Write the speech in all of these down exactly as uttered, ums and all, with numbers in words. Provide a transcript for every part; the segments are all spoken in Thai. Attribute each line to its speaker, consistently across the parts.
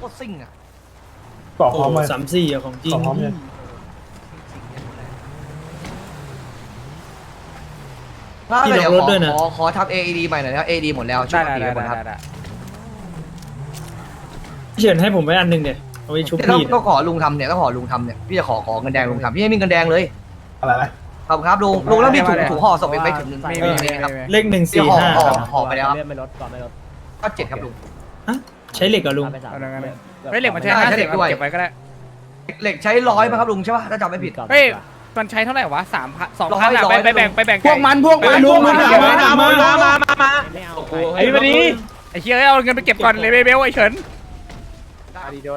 Speaker 1: ตรซิ่งอ่ะ
Speaker 2: เกาะพร้อมไหม
Speaker 3: สามสี่อะของจริง
Speaker 2: เกาะพร้อมเลย
Speaker 1: ถ้าเดี๋ยวขอขอขอทำ เอ อี ดี ใหม่หน่อยนะ เอ ดี หมดแล้วช่วยตีหมดครับ
Speaker 3: เฉินให้ผมไว้อันหนึ่งเนี่ยเอาไว้ชุบ
Speaker 1: ต้อง
Speaker 3: พี่
Speaker 1: ก็ขอลุงทำเนี่ยก็ขอลุงทำเนี่ยพี่จะขอขอเงินแดงลุงทำพี่ให้มีเงินแดงเลย
Speaker 2: อะไรนะ
Speaker 1: ขอบคุณครับลุงลุงแล้วมีถุงถุงห่อศพอีกไหมถุงนึง
Speaker 4: ไม่
Speaker 1: มี
Speaker 4: มี
Speaker 1: มีครับ
Speaker 3: เลขหนึ่ง
Speaker 1: ที่
Speaker 3: สี่
Speaker 1: ห่อ
Speaker 3: ห้า
Speaker 1: ห่อห่อไปแล้วครับ
Speaker 4: ไม่ลดก่อนไม่ลด
Speaker 1: ก็เจ็ดครับลุง
Speaker 3: ใช้เหล็กเหรอลุง
Speaker 4: เอาดังนั้นเลย
Speaker 5: เฮ้ยเหล็กมันใช้
Speaker 1: ได้
Speaker 5: ห้า
Speaker 1: ใช้เห
Speaker 5: สิ
Speaker 1: ล็
Speaker 5: บ
Speaker 1: กด้วย
Speaker 5: เก็บไว้ก็ได้
Speaker 1: เหล็กใช้ร้อยป่ะครับลุงใช่ป่ะถ้าจำไม่ผิด
Speaker 5: เฮ้ยมันใช้เท่าไหร่วะสามพันสองพัน
Speaker 1: ร้
Speaker 5: อะ
Speaker 1: อย
Speaker 5: ไป
Speaker 1: ร้อย
Speaker 5: ไปแบ่งไปแบ่ง
Speaker 4: พวกมันพวกมัน
Speaker 3: ลุง
Speaker 4: พวก
Speaker 3: มา
Speaker 4: มัน
Speaker 3: มามามามามา
Speaker 4: ไม่เอา
Speaker 5: ไอ้มาดีไอ้เชี่ยเอาเงินไปเก็บก่อนเลยเบลไอ้เฉิน
Speaker 4: ดีโดน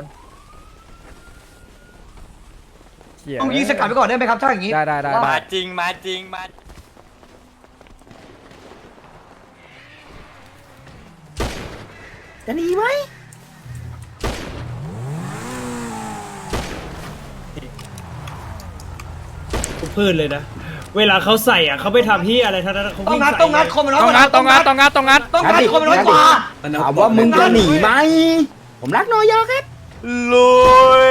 Speaker 1: ต้องยิงสกัดไปก่อนได้ไหมครับถ้าอย่างนี้
Speaker 5: ได้ได้ได้
Speaker 6: มาจริงมาจริงมา
Speaker 4: จะหนีไหม
Speaker 3: ทุกพืชเลยนะ เวลาเขาใส่อ่ะเขาไม่ทำที่อะไรทั้งนั้นเขา
Speaker 1: ต้อง
Speaker 3: วิ่ง
Speaker 1: งัด
Speaker 3: ใส่
Speaker 1: ต้องงัดคนมันน้อย
Speaker 5: ต้อง
Speaker 1: กว่า
Speaker 5: งัดต้องงัดต้องงัดต้องงัด
Speaker 1: ต้องงัดคนมันน้อยกว่า
Speaker 4: ถามว่ามึงจะหนีไหมผมรักน้อยยอครับ
Speaker 6: ลุย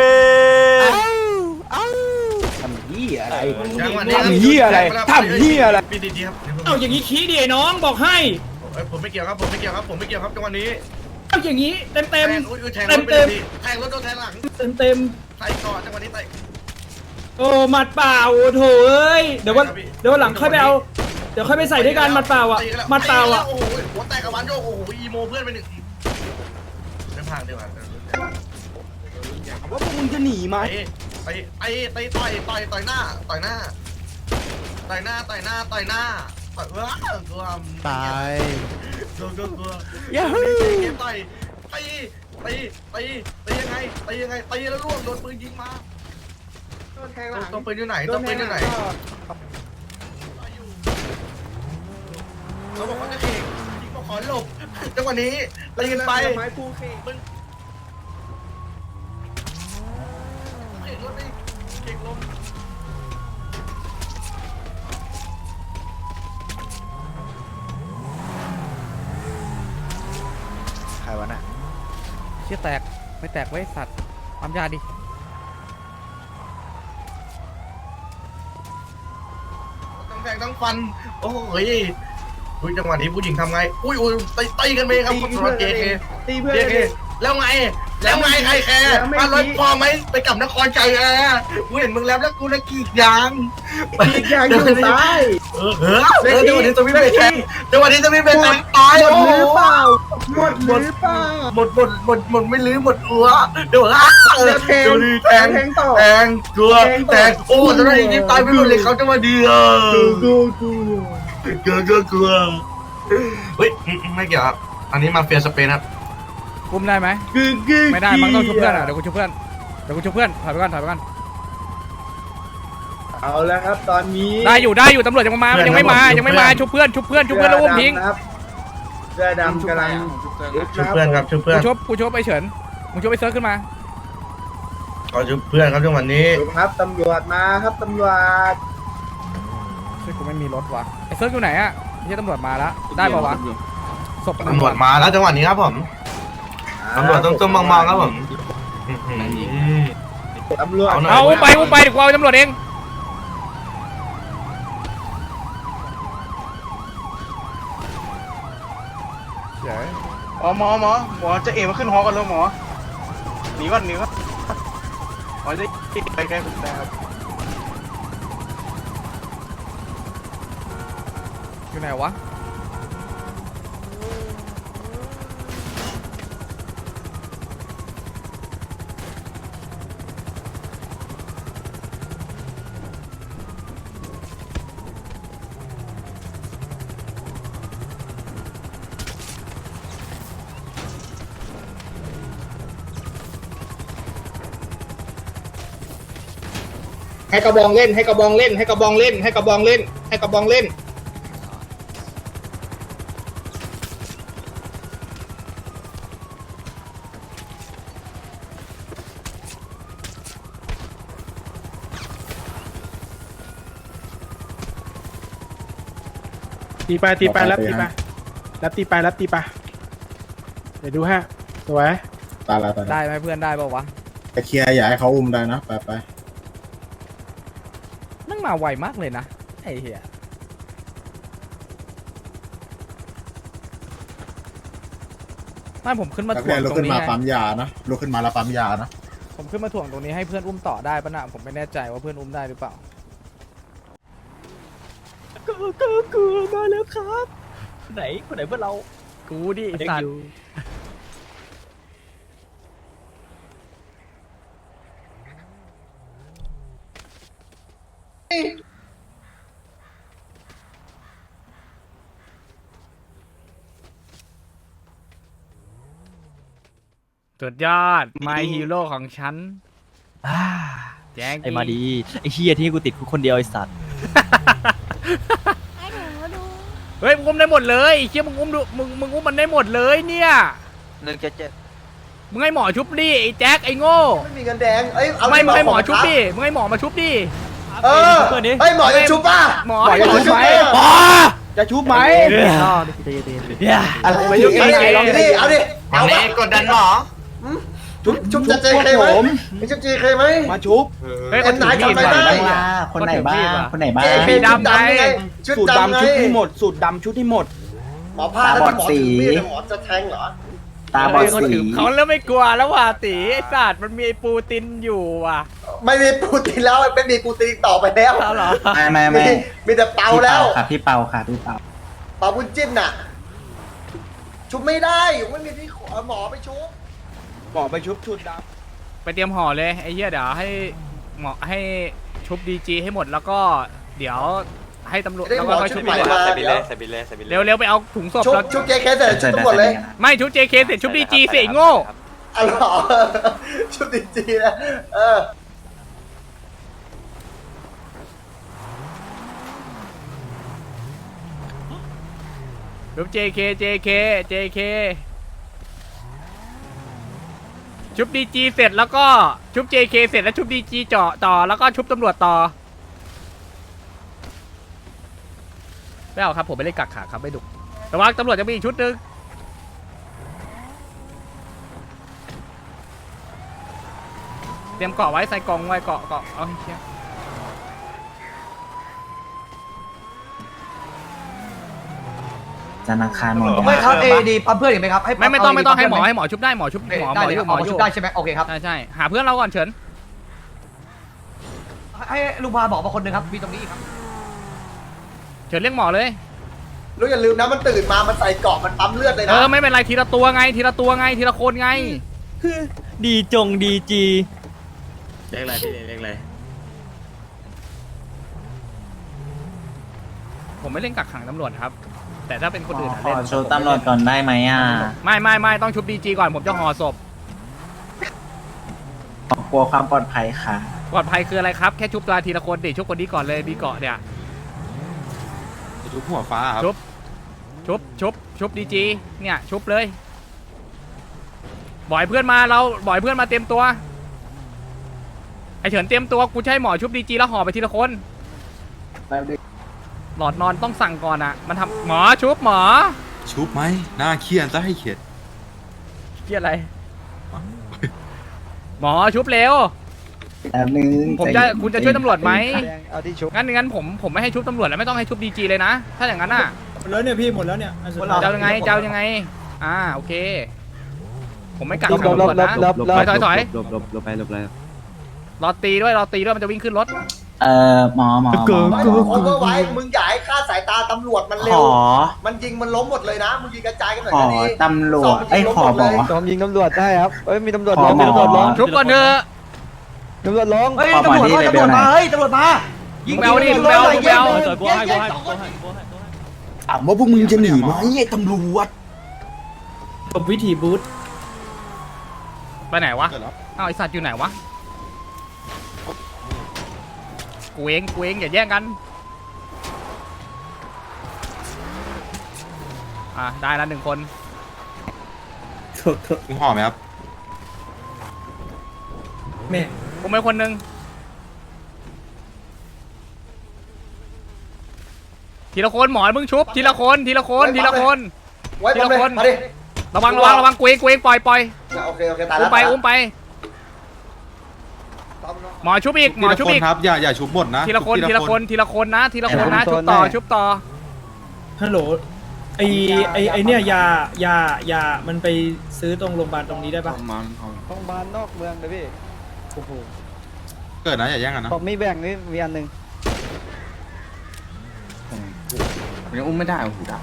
Speaker 4: ทำเหี้ยอะไรทำเหี้ยอะไรทำเหี้ยอะไร
Speaker 7: พี่ดีๆครับ
Speaker 3: เอาอย่างนี้ขี้ดิไอ้น้องบอกให้
Speaker 7: ผมไม่เกี่ยวครับผมไม่เกี่ยวครับผมไม่เกี่ยวครับจังหวะนี้
Speaker 3: เอาอย่างนี้เต็มเต็ม
Speaker 7: อุ้ยแทง
Speaker 3: เต็
Speaker 7: ร
Speaker 3: ม
Speaker 7: ถไป
Speaker 3: เต็ม
Speaker 7: พี่แทงรถโดนแทงหลัง
Speaker 3: เต็มเต็ม
Speaker 7: ใส่ก่อนจังหวะนี้ใส่
Speaker 3: โอ้หมัดเปล่าโอ้โถเอ้ยเดี๋ยววันเดี๋ยววันหลังค่อยไปเอาเดี๋ยวค่อยไปใส่ด้วยกันหมัดเปล่าอ่ะหมัดเปล่าอ่ะ
Speaker 7: โอ้โหหัวแตกกับวันโยกโอ้โหอีโมเพื่อนไปหนึ่งทีไม่ผ่านเดี๋ยวผ่าน
Speaker 4: ว่าพวกมึงจะหนีไหม
Speaker 7: ไปไปไปต่อยต่อยต่อยหน้าต่อยหน้าต่อยหน้าต่อยหน้าต่อยหน้าต่อยเออกลัวตายกลัวกลัวกลัวอย่าต่อยตีตีตีตียังไงตียังไงตีแล้วล่วงโดนปืนยิงมาตัวปืนอยู่ไหนตัวปืนอยู่ไหนเขาบอกเขาจะเข่งยิงบอกขอหลบจังหวะนี้ตีกันไปมึงเข่งรถดิเข่งลม
Speaker 4: ใครวะน่ะ
Speaker 5: เชี่ยแตกไม่แตกไว้สัตว์ความยาดิ
Speaker 7: ต้องแทงต้องฟันโอ้ยอุ้ยจังหวะนี้ผู้หญิงทำไงอุ้ยอุ้ยตีตีกันไปครับคุณตำรวจเจเค
Speaker 4: ตีเพื่อน
Speaker 7: เจเคแล้วไงแล้วไงใครแคร์มารถพอไหมไปกลับนครใจแอร์กูเห็นมึงแล้วแล้วกูนะกีดยาง
Speaker 4: อีกอย่างอยู่ซ้าย
Speaker 7: เออเออเออจังหวะนี้จะไม่เป็นแทงจังหวะนี้จะไม่เป็นแทงตาย
Speaker 4: หม
Speaker 7: โอ้
Speaker 4: ด
Speaker 7: โห
Speaker 4: หรือเปล่าหมดหรือเปล่า
Speaker 7: หมดหมดหมดหมดไม่ลื้อหมดอัวเดี๋ยวอ่ะดูดิแทง
Speaker 4: แทงต่อ
Speaker 7: แทงกลัวแทงโอ้จังหวะนี้ตายไปหมดเลยเขาจังหวะเดียว
Speaker 4: กูกู
Speaker 7: กลัวกลัวกลัวเฮ้ยไม่เกี่ยวครับอันนี้มาเฟียสเปนครับ
Speaker 5: กุมได้ไหม
Speaker 4: กูกู
Speaker 5: ไม่ได้มันต้องชุบเพื่อนอ่ะเดี๋ยวกูชุบเพื่อนเดี๋ยวกูชุบเพื่อนถอยไปก่อนถอยไปก่อน
Speaker 4: เอาแล้วครับตอนนี้
Speaker 5: ได้อยู่ได้อยู่ตำรวจยังไม่มายังไม่มายังไม่มาชุบเพื่อนชุบเพื่อนชุบเพื่อนแล้วอุ้มทิ้ง
Speaker 4: เสื้อดำกำลัง
Speaker 7: ชุบเพื่อนครับชุบเพื่
Speaker 5: กู
Speaker 7: อน
Speaker 5: ชุบกูชุบไอ้เฉินมึงชุบไอ้เซิร์ฟขึ้นมา
Speaker 7: ขอชุบเพื่อนครับจังหวะนี้
Speaker 4: ครับตำรวจมาครับตำรวจ
Speaker 5: เฮ้ยกูไม่มีรถว่ะไอ้เซิร์ฟอยู่ไหนอ่ะไม่ใช่ตำรวจมาแล้วได้ป่าวะศพ
Speaker 7: ตำรวจมาแล้วจังหวะนี้ครับผมตำรวจต้องต้องมองๆครับผม
Speaker 4: ตำรวจ
Speaker 5: เอาไปกูไปเดี๋ยวกูเอาตำรวจเอง
Speaker 8: อ๋อหมอหมอหมอจะเอ๋มาขึ้นหอกันแล้วหมอหนีก่อนหนีก่อนหมอจะไปใกล้ผมได้ครับ
Speaker 5: อยู่ไหนวะ
Speaker 4: ให้กระบองเล่นให้กระบองเล่นให้กระบองเล่นให้กระบองเล่นให้กระบองเล่นตีไปตีไปรับตีไปรับตีไปรับตีไปเดี๋ยวดูฮะสวย
Speaker 2: ตายแล้วตายแล้ว
Speaker 5: ได้ไหมเพื่อนได้ป่าวะ
Speaker 2: ไปเคลียร์อย่าให้เขาอุ้มได้นะไปไป
Speaker 5: นั่งมาไวมากเลยนะไอ้เหี้ยไม่ผมขึ้นมา
Speaker 2: นัก
Speaker 5: ถ่
Speaker 2: เรี
Speaker 5: วย ง
Speaker 2: นลุก
Speaker 5: ตร
Speaker 2: ขึ้
Speaker 5: ง
Speaker 2: น
Speaker 5: นี้
Speaker 2: มา
Speaker 5: ไง
Speaker 2: ปั๊มยานะลุกขึ้นมาแล้วปั๊มยานะ
Speaker 5: ผมขึ้นมาถ่วงตรงนี้ให้เพื่อนอุ้มต่อได้ปะนะผมไม่แน่ใจว่าเพื่อนอุ้มได้หรือเปล่า
Speaker 3: กูกูกูมาแล้วครับไหนคนไหนเพื่อนเรา
Speaker 5: กูดิไอ้สัตว์ สุดยอด My Hero ของฉันแจ้ง
Speaker 9: ไอ้มาดีไอ้เฮียที่กูติดคุกคนเดียวไอ้สัตว์
Speaker 5: เฮ้ยมึงอุ้มได้หมดเลยไอ้เชี่ยมึงอุ้มดูมึงมึงอุ้มมันได้หมดเลยเนี่ย
Speaker 6: หนึ่งเจ็ดเจ็ด
Speaker 5: มึงให้หมอชุบดิไอ้แจ็คไอ้โง่
Speaker 1: ไม่มีเงินแดงเอ้ยเอา
Speaker 5: ไม่มึงให้หมอชุบดิมึงให้หมอมาชุบดิ
Speaker 1: เออเฮ้ยหมอจะชุบป่ะ
Speaker 5: หมอ
Speaker 1: หมอจะชุบไหม
Speaker 5: หมอ
Speaker 3: จะชุบไหม
Speaker 1: อะไร
Speaker 5: ไม่ชุบ
Speaker 1: เอาดิ
Speaker 5: เอง
Speaker 1: เอาดิเอาดิเอา
Speaker 7: เอา
Speaker 1: ดิ
Speaker 7: ดิกดดันหมอ
Speaker 1: ชุบชุบจะเจเคไหมไม่ชุบเจเคไหม
Speaker 3: มาชุบ
Speaker 5: เฮ้ย
Speaker 1: เอ็นไหนจำไม่ได้
Speaker 9: คนไหนบ้างคนไหนบ้าง
Speaker 1: เจเค
Speaker 5: สี
Speaker 1: ชุด
Speaker 5: ดำไง
Speaker 1: ดำไงชุด
Speaker 3: สูตร
Speaker 1: ดำไง
Speaker 3: ดำชุดให้หมดสูตรดำชุดให้หมด
Speaker 1: หมอพาแล้วที่หมอถือมีดหมอจะแทงเหรอ
Speaker 9: ตาบอดสี
Speaker 5: เขาเริ่มไม่กลัวแล้วว่ะตีไอ้สัตว์มันมีไอ้ปูตินอยู่ว่ะ
Speaker 1: ไม่มีปูตินแล้วไม่มีปูตินต่อไปแล้ว
Speaker 5: เอาเหรอ
Speaker 9: ไม่ไม่ไม่
Speaker 1: มีมีแต่เปาแล้ว
Speaker 9: ค่ะพี่เปาค่ะพี่เปา
Speaker 1: เปาบุญจิ้นน่ะ ชุบไม่ได้ไม่มีที่หมอไปชุบ
Speaker 3: หมอไปชุบชุดด
Speaker 5: ไปเตรียมห่อเลยไอ้เหี้ยเดี๋ยวให้หมอให้ชุบดีจีให้หมดแล้วก็เดี๋ยวให้ตำรวจ
Speaker 1: ได้
Speaker 5: แล้ว
Speaker 1: หมอ
Speaker 5: ก็ค่อย
Speaker 1: ชุ
Speaker 5: ชุ
Speaker 1: บบ ใหม่
Speaker 5: ดีก
Speaker 1: มา
Speaker 5: ว่า
Speaker 6: ใส่บิล
Speaker 1: เดี๋
Speaker 6: เล่
Speaker 1: ยว
Speaker 6: ใส่บิลเล่ใส่บิลเล่
Speaker 5: เร็วเร็วไปเอาถุงศพ
Speaker 1: ชุบ
Speaker 5: แล้ว
Speaker 1: ชุบเจเคเสร็จชุบทุกคนเลย
Speaker 5: ไม่ชุบ เจ เค เสร็จชุบดีจีเสร็จโง่
Speaker 1: อ๋อเหรอชุบดีจีนะเออ
Speaker 5: ชุบ เจ เค เจ เค เจ เค ชุบดีจีเสร็จแล้วก็ชุบ เจ เค เสร็จแล้วชุบดีจีเจาะต่อแล้วก็ชุบตำรวจต่อไม่เอาครับผมไม่ได้กักขาครับไม่ดุแต่ว่าตำรวจจะมีอีกชุดหนึ่งเตรียมเกาะไว้ใส่กล่องไว้เกาะเกาะเอาให้เชี่ย
Speaker 9: จันทร์อังคารหมด
Speaker 1: ไม่ครับเอดีปั๊มเพื่อนอีกไหมครับให้
Speaker 5: ไม่ไม่ต้องไม่ต้องให้หมอ
Speaker 1: เา
Speaker 5: ให้หมอชุบได้หมอชุบหมอหม
Speaker 1: ได้
Speaker 5: อ
Speaker 1: เลย
Speaker 5: อ
Speaker 1: ครั
Speaker 5: ยู่
Speaker 1: บ
Speaker 5: ห
Speaker 1: ห
Speaker 5: ม
Speaker 1: ม
Speaker 5: อ
Speaker 1: อ
Speaker 5: อ
Speaker 1: ชุ
Speaker 5: ยู่
Speaker 1: บได้ใช่ไหมโอเคครับ
Speaker 5: ใช่ใช่หาเพื่อนเราก่อนเฉิน
Speaker 1: ให้ลุงพาบอกมาคนหนึ่งครับมีตรงนี้ครับ
Speaker 5: เฉินเรียกหมอเลย
Speaker 1: รู้อย่าลืมนะมันตื่นมามันใส่เกาะมันปั๊มเลือดเลย
Speaker 5: เอ
Speaker 1: นะ
Speaker 5: อไม่เป็นไรทีละตัวไงทีละตัวไงทีละคนไง
Speaker 9: ดีจงดีจี
Speaker 8: เรียกอะไรพี่เรียกอะไร
Speaker 5: ผมไม่เล่นกักขังตำรวจครับ แต่ถ้าเป็นคนอื่นอะ
Speaker 9: ขอ
Speaker 5: เล่น
Speaker 9: โชว์ตำรวจก่อนได้ไหมอ่ะ
Speaker 5: ไม่ไม่ไม่ต้องชุบดีจีก่อนผมจะห่อศพ
Speaker 9: กลัวความปลอดภัยค่ะ
Speaker 5: ปลอดภัยคืออะไรครับแค่ชุบตัวทีละคนดิชุบคนนี้ก่อนเลยมีเกาะเนี่ย
Speaker 8: ชุบหัวฟ้าครับ
Speaker 5: ชุบชุบชุบชุบดีจีเนี่ยชุบเลยบ่อยเพื่อนมาเราบ่อยเพื่อนมาเตรียมตัวไอเฉินเตรียมตัวกูจะให้หมอชุบดีจีแล้วห่อไปทีละคนหลอดนอนต้องสั่งก่อนอ่ะมันทำหมอชุบหมอ
Speaker 10: ชุบไหมหน้าเคียนซะให้เข็ด
Speaker 5: เกี่ยอะไร หมอชุบเร็ว
Speaker 9: แป๊บนึง
Speaker 5: ผมจะคุณจะช่วยตำรวจไหม
Speaker 3: เอาที่ชุบ
Speaker 5: งั้นงั้นผมผมไม่ให้ชุบตำรวจแล้วไม่ต้องให้ชุบดีจีเลยนะ ถ้าอย่างนั้นอ่ะ
Speaker 3: หมดแล้วเนี่ยพี่หมดแล้วเนี่ยอันสุดท้าย
Speaker 5: จะเอายังไงจะเอายังไงอ่าโอเค ผมไม่กักขังตำรวจนะถอยถอยถอย
Speaker 9: ลบลบลบไปลบไป
Speaker 5: รอตีด้วยรอตีด้วยมันจะวิ่งขึ้นรถ
Speaker 9: เอ่อหมอหมอหมอ
Speaker 1: ไม่คนก็ไว้มึงอย่าให้ฆ่าสายตาตำรวจมัน
Speaker 9: ข
Speaker 1: เร็ว
Speaker 9: อ
Speaker 1: มันยิงมันล้มหมดเลยนะมึงยิงกระจายกันหน่อย
Speaker 9: ขอ
Speaker 1: ก็ดี
Speaker 9: ตำรวจไอ้ยขอหมอ
Speaker 3: ยอมยิงตำรวจได้ครับเอ้ยมีตำรวจ
Speaker 9: ขอ
Speaker 3: ล้ม
Speaker 9: หมอ
Speaker 3: มีตำรวจล้ม
Speaker 5: ชุบก่อนเถอะ
Speaker 3: ตำรวจล้ม
Speaker 1: เฮ้ย
Speaker 9: ขอ
Speaker 1: ตำรวจ
Speaker 9: หมอที่
Speaker 1: มา
Speaker 9: เลเว
Speaker 1: ตำรว
Speaker 9: ล
Speaker 1: จ
Speaker 9: ไหน
Speaker 1: มาเฮ้ยตำรวจมายิง
Speaker 5: แมวดิแมวแมว
Speaker 2: ถามว่าพวกมึงจะหนีไหมไอ้ตำรวจ
Speaker 3: กับวิธีบูท
Speaker 5: ไปไหนวะอ้าวไอสัตว์อยู่ไหนวะกูเองกูเองอย่าแย่งกันอ่ะได้แล้วหนึ่งคน
Speaker 10: มึงห่อไหมครับ
Speaker 3: แม่
Speaker 5: กูไม่คนหนึ่งทีละคนหมอมึงชุบทีละคนทีละคนทีละคน
Speaker 1: ไว้
Speaker 5: ที
Speaker 1: ปั๊ม
Speaker 5: ละ
Speaker 1: เลย
Speaker 5: คน
Speaker 1: มาดิ
Speaker 5: ระวังระวังระวังกูเองกูเองปล่อยปล่อย
Speaker 1: โอเคโอเคตาย
Speaker 5: อุ้
Speaker 1: แล้
Speaker 5: ม
Speaker 1: ว
Speaker 5: ไปอุ้มไปหมอชุบอีกหมอชุบอีก
Speaker 10: ครับอย่าอย่าชุบหมดนะ
Speaker 5: ทีละคนทีละคนทีละคนนะทีละคนนะชุบต่อชุบต่อ
Speaker 3: ฮัลโหลไอไอไอเนี่ยยายายามันไปซื้อตรงโรงพยาบาลตรงนี้ได้ปะ
Speaker 10: มัน
Speaker 9: โรงพยาบาลนอกเมืองเลยพี่โอ้โห
Speaker 10: เกิดนะอย่าแย่งกันนะ
Speaker 9: ผมมีแบ่งนี่มีอันหนึ่งผมยังอุ้มไม่ได้โอ้โหดับ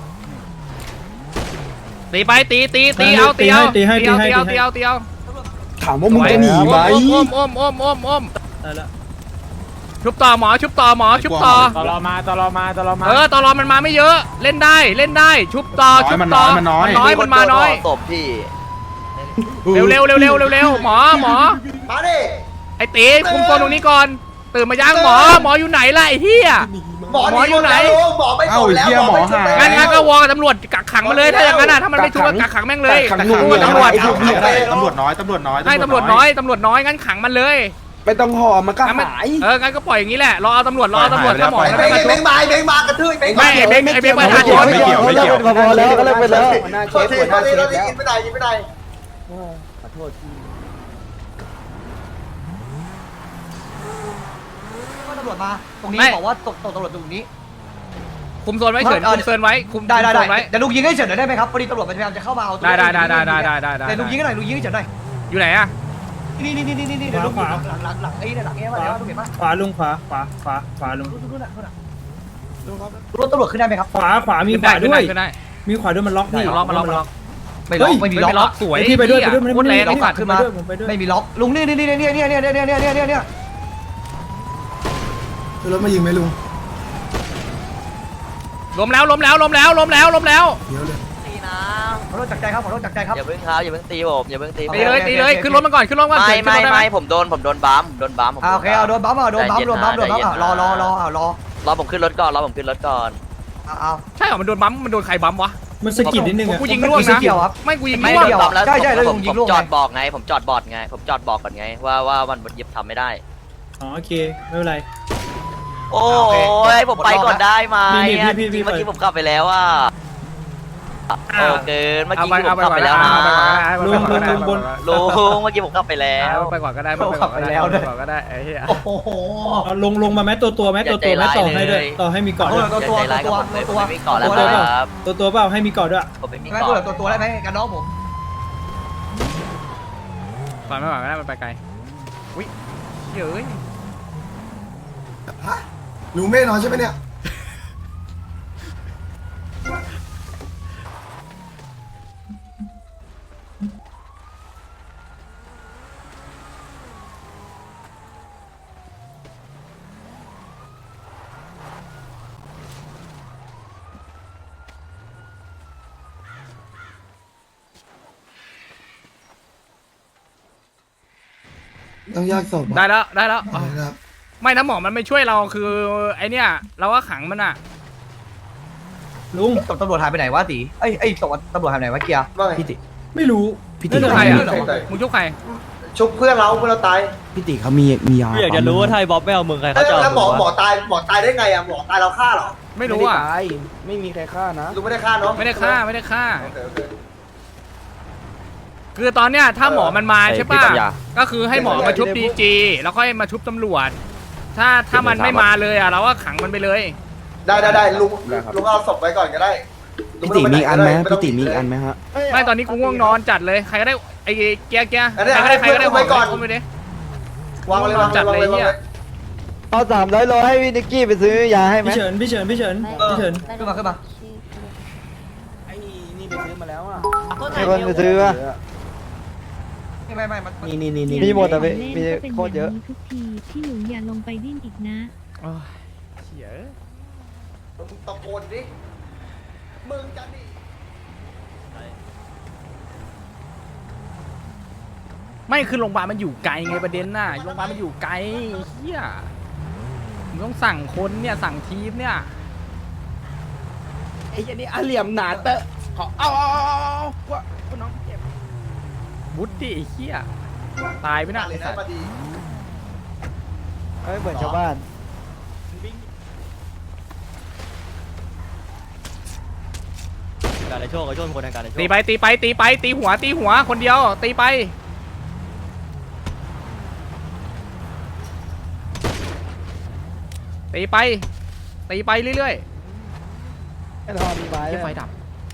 Speaker 5: ตีไปตีตีตีเอาตีเอาตีเอาตีเอาตีเอาตีเอา
Speaker 2: ถามว่ามึงจะหนีไหม
Speaker 5: อ้อมอ้อมอ้อมอ้อมอ้อม
Speaker 3: ได้แล้ว
Speaker 5: ชุบต่อหมอชุบต่อหมอชุบต่อ
Speaker 3: ตลอมาตลอมาตลอมา
Speaker 5: เออตลอมันมาไม่เยอะเล่นได้เล่นได้ชุบต่อชุบต่อมันน้อยมันมาน้อย
Speaker 6: ตบพี่
Speaker 5: เร็วเร็วเร็วเร็วเร็วเร็วหมอหมอ
Speaker 1: มาดิ
Speaker 5: ไอ้ตีคุมโซนตรงนี้ก่อนตื่นมาย่างหมอหมออยู่ไหนล่ะไอ้เหี้ย
Speaker 1: หมออยู่ไหนหมอไม่ตบแล้วหมอไม่ชุบ
Speaker 5: งั้นงั้นก็วอลกับตำรวจกักขังมาเลยถ้าอย่างนั้นอ่ะถ้ามันไม่ชุบก็กักขังแม่งเลยกักขังตำรวจ
Speaker 10: ตำรวจน้อยตำรวจน้อย
Speaker 5: ให้ตำรวจน้อยตำรวจน้อยงั้นขังมันเลย
Speaker 2: ไม่ต้องห่อมันก็
Speaker 5: งั้นมัน
Speaker 2: หาย
Speaker 5: เอองั้นก็ปล่อยอย่างนี้แหละรอเอาตำรวจรอเอาตำรวจถ้าหมอ
Speaker 1: ไอ้
Speaker 5: ไม่
Speaker 1: เบง
Speaker 5: มา
Speaker 1: ไอ้
Speaker 5: ชุ
Speaker 1: เบบ งมาไอ้เบงมากระทืบไอ้เบง
Speaker 5: ไม่ไอ้เบงไอ้เบงประชาชน
Speaker 2: ไม่เกี่ยวไม่เกี่ยว
Speaker 9: พอแล้วก็เลิกไปแล้ว
Speaker 1: โทษทีโทษทีโทษทียิงไม่ได้ยิงไม่ได้
Speaker 11: ตำรวจมาตรงนี้บอกว่าตกตกตำรวจตรงนี้
Speaker 5: คุมโซนไว้เฉินคุมโซนไว้คุม
Speaker 11: ได้ได้
Speaker 5: โซ
Speaker 11: ได้
Speaker 5: นไว้
Speaker 11: เดี๋ยวลุงยิงให้เฉินหน่อยได้ไหมครับพอดีตำรวจพยายามจะเข้ามาเอา
Speaker 5: ได้ได้ได้ได้ได้ได้ได้ได้
Speaker 11: เดี๋ยวลุงยิงให้หน่อยลุงยิงให้เฉินหน่อย
Speaker 5: อยู่ไหนอะ
Speaker 11: นี่นี่นี่นี่นี่เดี๋ยวลุงหลังหลังหลังไอ้เนี่ยหลังเอ๊ะมาแล้วลุงเห็นปะ
Speaker 3: ขวาลุงขวาขวาขวาขวาลุง
Speaker 11: รถตำรวจขึ้นได้ไหมครับ
Speaker 3: ขวาขวามี
Speaker 5: ขึ้น
Speaker 3: ข
Speaker 5: ได้
Speaker 3: วา
Speaker 5: ขึ้น
Speaker 3: ด้ว
Speaker 5: ได้
Speaker 3: ย
Speaker 5: ขึ้นได้
Speaker 3: มีขวาด้วยมันล็อกพี่
Speaker 5: มันล็อกมันล็อกมันล็อก
Speaker 11: ไม่ล็อกไม่มีล็อก
Speaker 5: ไม่ล็อกสวย
Speaker 3: พี่ไปด้วยไปด้วย
Speaker 5: โคตรแรง
Speaker 3: ไม่
Speaker 5: ไอ้สัตว์
Speaker 3: ขึ้นมาด้วยผมไปด้วย
Speaker 11: ไม่มีล็อกลุงนี่นี่นี่นี่นี่นี่นี่นี่นี่นี่นี่
Speaker 2: รถมายิงไหมลุง
Speaker 5: ล้มแล้วล้มแล้วล้มแล้วล้มแล้วล้มแล้ว
Speaker 2: เดี๋ยวเลย
Speaker 6: ตีนะ
Speaker 11: ขอโทษจากใจครับขอโทษจากใจครับ
Speaker 6: อย่าเพิ่งครับอย่าเพิ่งตีผมอย่าเพิ่งตีผม
Speaker 5: ตีเลยตีเลยขึ้นรถมาก่อนขึ้นรถมาก่อน
Speaker 6: ไม่
Speaker 5: เฉิน
Speaker 6: ไม่
Speaker 5: ขึ้นรถได้ไหม
Speaker 6: ไม่ผมโดนผมโดนบัมผมโดนบัมผม
Speaker 11: โอเคเอาโดนบัมเอาโดนบัมโดนบัมโดนบัมรอรอรอเอารอ
Speaker 6: รอผมขึ้นรถก่อนรอผมขึ้นรถก่อน
Speaker 11: เอาเอา
Speaker 5: ใช่เหรอมันโดนบัมมันโดนใครบัมวะ
Speaker 3: มันสะกิดนิดนึงอะ
Speaker 5: กูยิงร่วงนะไม่กูยิง
Speaker 6: ไม่
Speaker 5: ร่วง
Speaker 6: โดนบัมแล้ว
Speaker 11: ใช่ใช่แล้ว
Speaker 6: ผ
Speaker 11: ลุ
Speaker 6: ม
Speaker 11: งยิ
Speaker 6: ผ
Speaker 11: ง
Speaker 6: ม
Speaker 11: ลูก
Speaker 6: จอดบอกไง ผมจอดบอดไง ผมจอดบอกก่อนไงว่าว่ามันยิบทำไม่ได้
Speaker 3: อ๋อโอเคไม่เป็นไร
Speaker 6: โอ้ยผมไปก่อนได้ไหม
Speaker 3: พี่พี่พี่พี่
Speaker 6: เมื่อกี้ผมขับไปแล้วอ่ะโอ้เกินเมื่อ
Speaker 5: เอา
Speaker 6: กี้
Speaker 5: ไป
Speaker 6: ผ
Speaker 5: เอา
Speaker 6: ม
Speaker 5: ไป
Speaker 6: ขับ
Speaker 5: ก่อน
Speaker 6: ไป
Speaker 5: แล้
Speaker 6: แล้ว วนะ
Speaker 3: ลุงลุงลุงบน
Speaker 6: ลุงเมื่อกี้ผมขับไปแล้
Speaker 5: เอา
Speaker 6: ว
Speaker 5: ไปก่อนก็ได้ไปก่อนก็ได้ไปก่อนก็ได้ไอ้เหี้ย
Speaker 11: โอ้โห
Speaker 3: เอาลงลงมาแม้ตัวตัวแม้ตัวตัวแม้ต่อให้ด้วยต่อให้มีเกาะด้วย
Speaker 11: ตัวตัว
Speaker 6: ใจร้ายกับ
Speaker 11: ตัว
Speaker 6: ผมเลย
Speaker 11: ตัว
Speaker 6: ผมไม่มีเกาะแล้วครับ
Speaker 3: ตัวตัวเปล่าให้มีเกาะด้วย
Speaker 6: ผมไม่มี
Speaker 11: ไม่
Speaker 6: เกาะ
Speaker 11: ตัวตัวตัวได้ไหมกันน้องผม
Speaker 5: ก่อนไม่ก่อนก็ได้มันไปไกลอุ้ยเฮ้ย
Speaker 2: ลุงไม่นอนใช่ไหมเนี่ย ต้องยากศพ
Speaker 5: ได้แล้วได้แล้ว
Speaker 2: ครับ
Speaker 5: ไม่นะหมอมันไม่ช่วยเราคือไอเนี้ยเราก็ขังมันอ่ะ
Speaker 11: ลุงตำรวจหายไปไหนวะตีไอ้ไอ้ตำรวจหายไปไหนวะเกียร์
Speaker 1: ว่าไง
Speaker 11: พี่ติ
Speaker 3: ไม่รู้
Speaker 2: พี่
Speaker 5: นี่
Speaker 2: ติ
Speaker 5: คือใครอ่ะ
Speaker 1: ใครต่อย
Speaker 5: มึงชุบใคร
Speaker 1: ชุบเพื่อนเราเพื่อนเราตาย
Speaker 2: พี่ติเขามีมียา
Speaker 9: อยากจะรู้ว่าไทยบ๊อบไม่เอามึงใคร
Speaker 1: แล้
Speaker 9: เขา
Speaker 1: ว
Speaker 9: จะเอา
Speaker 1: แล้วหมอ
Speaker 9: มึง
Speaker 1: หมอ
Speaker 9: วะ
Speaker 1: ตายหมอตายได้ไงอ่ะหมอตายเราฆ่าเหรอ
Speaker 5: ไม่รู้อ่ะ
Speaker 2: ไม่มีใครฆ่านะ
Speaker 1: ลุงไม่ได้ฆ่าเนาะ
Speaker 5: ไม่ได้ฆ่าไม่ได้ฆ่า
Speaker 1: โอเคโอเค
Speaker 5: คือตอนเนี้ยถ้าหมอมันมาใช่ป่ะ
Speaker 9: ไอ้พี่ปัญญา
Speaker 5: ก็คือให้หมอมาชุบดีจีแล้วค่อยมาชุบตำรวจ ถ้าถ้ามันไม่มาเลยอ่ะเราก็ขังมันไปเลย
Speaker 1: ได้ได้ได้ลุงลุงเอาศพไว้ก่อนก็ได้
Speaker 2: พี่ติมีอันไหมพี่ติมีอันไหมฮะ
Speaker 5: ไม่ตอนนี้กูง่วงนอนจัดเลยใครก็ได้ไอ้เกียร์เกียร์
Speaker 1: อันนี้
Speaker 5: ใครก็ได้ใครก็ได้
Speaker 1: ไว้ก่อน
Speaker 5: อุ้มไปดิ
Speaker 1: วางไว้เลยวางไว้
Speaker 5: จัด
Speaker 1: วาง
Speaker 5: เลย
Speaker 1: ไว้
Speaker 5: เนี่ย
Speaker 9: เอาสามร้อยโลให้พี่นิกกี้ไปซื้อยาให้ไหม
Speaker 3: พี่เฉินพี่เฉินพี่เฉินพี่เฉิน
Speaker 11: ขึ้นมาขึ้นมา
Speaker 2: ไอ้นี่ไปซื้อมาแล้วอ่ะ
Speaker 9: มีคนไปซื้อป่ะ
Speaker 11: ไม่ไม่ไม่มัน
Speaker 2: นี่นี่นี่นี่
Speaker 9: มีหมดอ่ะพี่มีโคตรเยอะ
Speaker 12: ทุกทีพี่หนูอย่าลงไปดิ้นอีกนะ
Speaker 5: โอ้ยเหี้ย
Speaker 1: มึงตะโกนดิมึงจะดิ
Speaker 5: ไม่คือโรงพยาบาลมันอยู่ไกลไงประเด็นน่ะโรงพยาบาลมันอยู่ไกลเฮียมึงต้องสั่งคนเนี่ยสั่งทีมเนี่ย
Speaker 2: ไอ้ยันนี่อาเหลี่ยมหนาเตอะขอเอาเอาเอาเอาว่าน้องเจ็บ
Speaker 5: บุตดิไอ้เฮียตายไปน่ะ
Speaker 1: เลยนะมาดี
Speaker 9: ไม่เหมือนชาวบ้าน
Speaker 5: ไ
Speaker 6: การในโชคไอ้โชคเป็นคนทางการในโชค
Speaker 5: ตีไปตีไปตีไปตีหัวตีหัวคนเดียวตีไปตีไปตีไปเรื่อย
Speaker 9: ไอ้ทอมีไม้
Speaker 5: ๆไฟดับ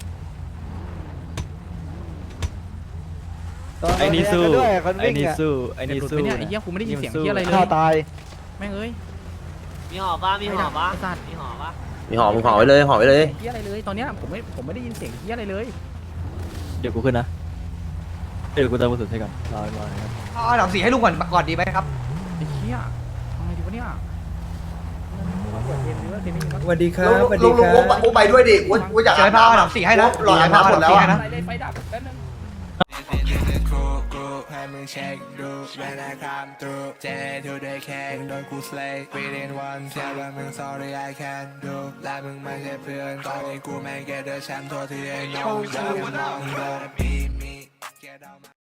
Speaker 9: ไอ้นี่สู้ไอ้นี่สู้
Speaker 5: ไอ้นี่สู้เนี่ยไอ้เหี้ยกูไม่ได้ยินเสียงเหี้ยอะไรเลย
Speaker 9: ข้าตาย
Speaker 5: แม่งเอ้ย
Speaker 6: มีหอป่ะมีหอป่ะ
Speaker 5: ไอ้สัตว์
Speaker 6: มีหอป่ะ
Speaker 11: มีหอมมึงหอไว้เลยหอไว้เลย
Speaker 5: เหี้ยอะไรเลยตอนเนี้ยผมไม่ผมไม่ได้ยินเสียงเหี้ยอะไรเลย
Speaker 11: เดี๋ยวกูขึ้นนะเดี๋ยวกูเติมกระสุนให้ก่อนรอรอนะครับเอาหนังสีให้ลุงก่อนก่อนดีไหมครับ
Speaker 5: ไอ้เหี้ยทำไงดีวะเนี่ยเปิดเพลงหรือว่าเพลงนี้มั้ง
Speaker 3: สวัสดีครับ
Speaker 1: ลุง
Speaker 3: สวัส
Speaker 1: ลุ
Speaker 3: ดี
Speaker 1: ง
Speaker 3: ค
Speaker 1: ลุง
Speaker 3: รับ
Speaker 1: อุ้มไปด้วยดิอุ้ยอุ้ยอยาก
Speaker 11: เจอผ้าหนังสีให้นะ
Speaker 1: หล่ออาบน้ำหมดแล้วอะ
Speaker 5: อะไรเลยไฟดับแป๊บนึง
Speaker 7: ให้มึงเช็คดูเวลาคำตรูเจทูได้แค่โดนกูสเลย์ within one แค่ว่ามึง sorry I can't do และมึงไม่ใช่เพื่อนตอนนี้กูแม่งแกเดอร์แชมป์ตัวที่ไอ้น้องเดินน้องเดินมีมีแกเดา